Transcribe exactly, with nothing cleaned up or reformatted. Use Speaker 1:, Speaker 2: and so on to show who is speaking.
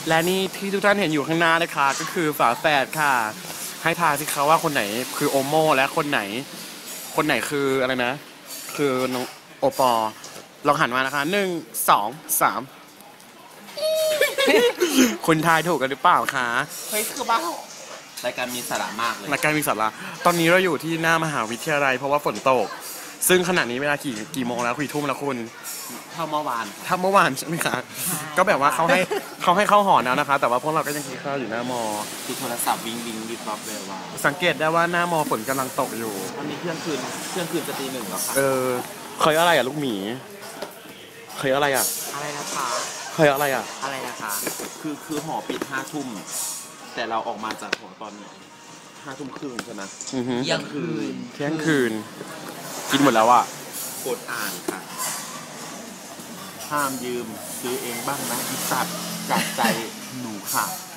Speaker 1: และนี่ที่ทุกท่านเห็นอยู่ข้างหน้านะคะก็คือฝาแฝดค่ะ ให้ทายสิคะว่าคนไหนคือโอโมและคนไหน คนไหนคืออะไรนะ คือน้องโอปอลองหันมานะคะหนึ่งสองสามคุณทายถูกกันหรือเปล่าคะ
Speaker 2: เฮ้ยคือบ้ารายการมีสาระมากเลย
Speaker 1: รายการมีสาระตอนนี้เราอยู่ที่หน้ามหาวิทยาลัยเพราะว่าฝนตก ซึ่งขณะนี้เวลากี่กี่โมงแล้วกี่ทุ่มแล้วคุณ
Speaker 2: เท่าเมื่อวาน
Speaker 1: ถ้าเมื่อวานใช่ไหมคะก็แบบว่าเขาให้เขาให้เข้าหอแล้วนะคะ แต่ว่าพวกเราก็ยังกินข้าวอยู่หน้ามอ
Speaker 2: คือโทรศัพท์วิงวิงวิบวับเลยว่า
Speaker 1: สังเกตได้ว่าหน้ามอฝนกำลังตกอยู่
Speaker 2: ตอนนี้เที่ยงคืนเที่ยงคืนจะตีหนึ่งแล้วค่ะ
Speaker 1: เออเคยอะไรอ่ะลูกหมีเคยอะไรอ่ะ
Speaker 2: อะไรนะคะ
Speaker 1: เคยอะไรอ่ะ
Speaker 2: อะไรนะคะ คือคือหอปิดห้าทุ่มแต่เราออกมาจากหอตอนห้าทุ่มครึ่งใช่ไหม
Speaker 1: อือฮึ
Speaker 2: เที่ยงคืน
Speaker 1: เที่ยงคืน กินหมดแล้วอ่ะ
Speaker 2: กดอ่านค่ะห้ามยืมซื้อเองบ้างนะอีสัตว์จากใจหนูค่ะ